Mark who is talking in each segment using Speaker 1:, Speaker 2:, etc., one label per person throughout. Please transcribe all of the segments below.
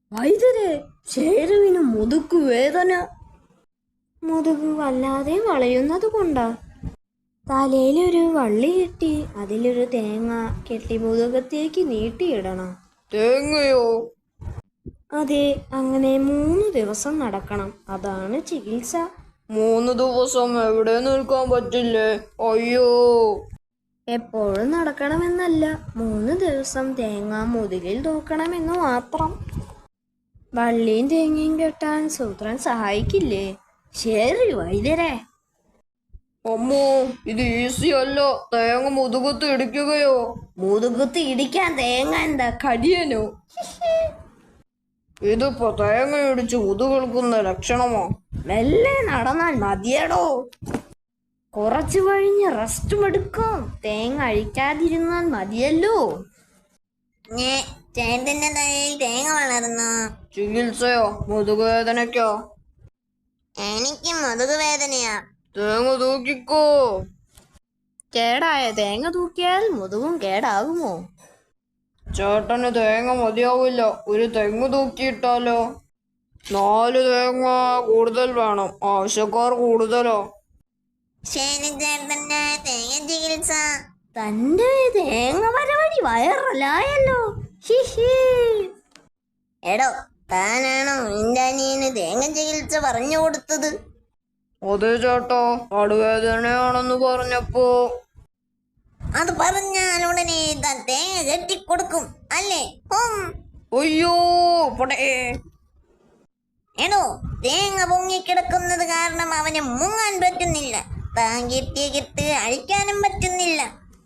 Speaker 1: വൈദ്യരെ, ചേരുവിന് മുതുക്കു വേദന. മുതുകു വല്ലാതെ വളയുന്നത് കൊണ്ടാ. തലയിലൊരു വള്ളി കെട്ടി അതിലൊരു തേങ്ങ കെട്ടി മുതുകത്തേക്ക് നീട്ടിയിടണം.
Speaker 2: തേങ്ങയോ?
Speaker 1: അതെ, അങ്ങനെ 3 ദിവസം നടക്കണം. അതാണ് ചികിത്സ.
Speaker 2: 3 ദിവസം എവിടെ നിൽക്കാൻ പറ്റില്ലേ? അയ്യോ.
Speaker 1: എപ്പോഴും നടക്കണമെന്നല്ല, 3 ദിവസം തേങ്ങ മുതുകിൽ തൂക്കണമെന്ന് മാത്രം. വള്ളിയും തേങ്ങയും കെട്ടാൻ സൂത്രൻ സഹായിക്കില്ലേ? ശരി വൈദ്യരെ.
Speaker 2: അമ്മോ, ഇത് ഈസി അല്ല. തേങ്ങ മുതുകത്ത് ഇടിക്കുകയോ?
Speaker 1: മുതുകത്ത് ഇടിക്കാൻ തേങ്ങ എന്താ കടിയനോ?
Speaker 2: ഇതിപ്പോ തേങ്ങ ഇടിച്ച് മുതുകെടുക്കുന്ന ലക്ഷണമോ?
Speaker 1: മെല്ലെ നടന്നാൽ മതിയടോ. കുറച്ചു കഴിഞ്ഞ് റെസ്റ്റും എടുക്കും. തേങ്ങ അഴിക്കാതിരുന്നാൽ മതിയല്ലോ.
Speaker 3: ചേട്ടന്റെ തലയിൽ തേങ്ങ വളർന്നു.
Speaker 2: ചികിത്സയോ? മുതുകുവേദനയ്ക്കോ?
Speaker 3: എനിക്ക് മുതുകു വേദനയാ.
Speaker 2: തേങ്ങ തൂക്കിക്കോ.
Speaker 1: കേടായ തേങ്ങ തൂക്കിയാൽ മുതുകും കേടാകുമോ?
Speaker 2: ചേട്ടന് തേങ്ങ മതിയാവില്ല. ഒരു തെങ്ങ് തൂക്കിയിട്ടാലോ? 4 തേങ്ങ കൂടുതൽ വേണം. ആവശ്യക്കാർ കൂടുതലോ?
Speaker 3: ശരി ചേട്ടന്റെ തേങ്ങ ചികിത്സ.
Speaker 1: തന്റെ തേങ്ങ വരവഴി വൈറലായല്ലോ. ഹിഹി.
Speaker 3: എടോ, താനാണോ നിന്റെ അനിയന് തേങ്ങ ചികിത്സ പറഞ്ഞു കൊടുത്തത്?
Speaker 2: അതെ ചേട്ടാ, നടുവേദനയാണെന്ന് പറഞ്ഞപ്പോ.
Speaker 3: അത് പറഞ്ഞാൽ ഉടനെ താൻ തേങ്ങ കെട്ടിക്കൊടുക്കും അല്ലേ?
Speaker 2: അയ്യോ പടേ.
Speaker 3: എടോ, തേങ്ങ പൊങ്ങിക്കിടക്കുന്നത് കാരണം അവന് മുങ്ങാൻ പറ്റുന്നില്ല. താൻ കെട്ടിയ കെട്ട് അഴിക്കാനും പറ്റുന്നില്ല.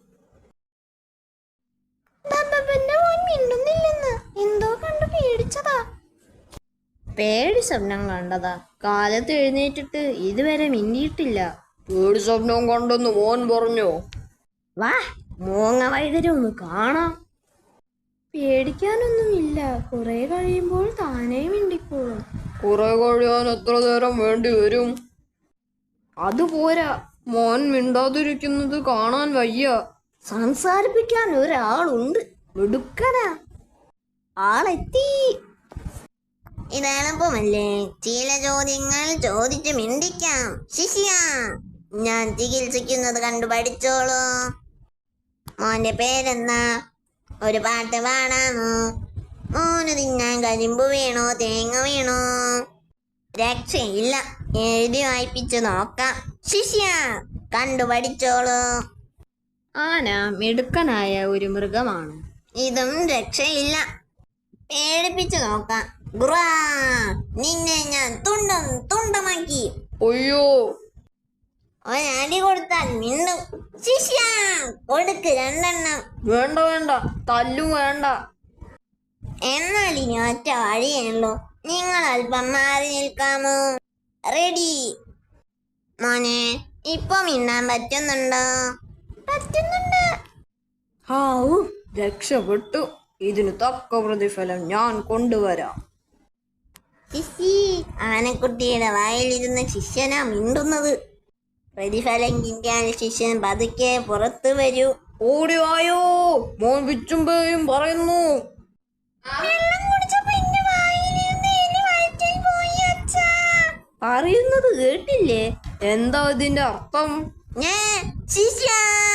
Speaker 1: എന്തോ കണ്ടു പേടിച്ചതാ. പേടി സ്വപ്നം കണ്ടതാ. കാലത്ത് എഴുന്നേറ്റിട്ട് ഇതുവരെ മിണ്ടിയിട്ടില്ല.
Speaker 2: പേടി സ്വപ്നം കണ്ടെന്ന് മോൻ പറഞ്ഞോ?
Speaker 1: വാ, മൂങ്ങ വൈദ്യരെ ഒന്ന് കാണാം. പേടിക്കാനൊന്നുമില്ല. കുറെ കഴിയുമ്പോൾ താനേ മിണ്ടിക്കോളും.
Speaker 2: കുറെ കഴിയാൻ എത്ര നേരം വേണ്ടി വരും?
Speaker 1: അതുപോരാ,
Speaker 2: മോൻ മിണ്ടാതിരിക്കുന്നത് കാണാൻ വയ്യ.
Speaker 1: സംസാരിപ്പിക്കാൻ ഒരാളുണ്ട്. മിടുക്കനാ. ആളെത്തി.
Speaker 3: ഇത് എളുപ്പമല്ലേ? ചില ചോദ്യങ്ങൾ ചോദിച്ച് മിണ്ടിക്കാം. ശിഷ്യ, ഞാൻ ചികിത്സിക്കുന്നത് കണ്ടു പഠിച്ചോളൂ. മോന്റെ പേരെന്താ? ഒരു പാട്ട് പാടാമോ? മോന് തിന്നാൻ കരിമ്പ് വേണോ തേങ്ങ വേണോ? രക്ഷയില്ല, എഴുതി വായിപ്പിച്ചു നോക്കാം. ശിഷ്യ, കണ്ടു പഠിച്ചോളൂ.
Speaker 1: ആന മിടുക്കനായ ഒരു മൃഗമാണ്.
Speaker 3: ഇതും രക്ഷയില്ല, പേടിപ്പിച്ചു നോക്കാം. ഗ്രാ, നിന്നെ ഞാൻ തുണ്ടം തുണ്ടമാക്കി.
Speaker 2: അയ്യോ.
Speaker 3: ഒരടി കൊടുത്താൽ മിണ്ടും. ശിഷ്യ, കൊടുക്ക് 2 എണ്ണം.
Speaker 2: വേണ്ട വേണ്ട, തല്ലും വേണ്ട.
Speaker 3: എന്നാൽ ഇനി ഒറ്റ വഴിയുള്ളൂ. നിങ്ങൾ അല്പം മാറി നിൽക്കാമോ? റെഡി. മോനെ, ഇപ്പൊ മിണ്ടാൻ പറ്റുന്നുണ്ടോ? പറ്റുന്നുണ്ട്.
Speaker 2: ഹാവൂ, രക്ഷപ്പെട്ടു. ഇതിന് തക്ക പ്രതിഫലം ഞാൻ കൊണ്ടുവരാം.
Speaker 3: ശിശി, ആനക്കുട്ടിയുടെ വായിലിരുന്ന ശിഷ്യനാ മിണ്ടുന്നത്. പ്രതിഫലം കിട്ടിയാൽ ശിഷ്യൻ പതുക്കെ പുറത്തു വരൂ.
Speaker 2: ഓടിവായോ, മോൻ വിച്ചുമ്പയും പറയുന്നു.
Speaker 1: പറയുന്നത് കേട്ടില്ലേ?
Speaker 2: എന്താ ഇതിന്റെ അർത്ഥം?
Speaker 3: ശിഷ്യ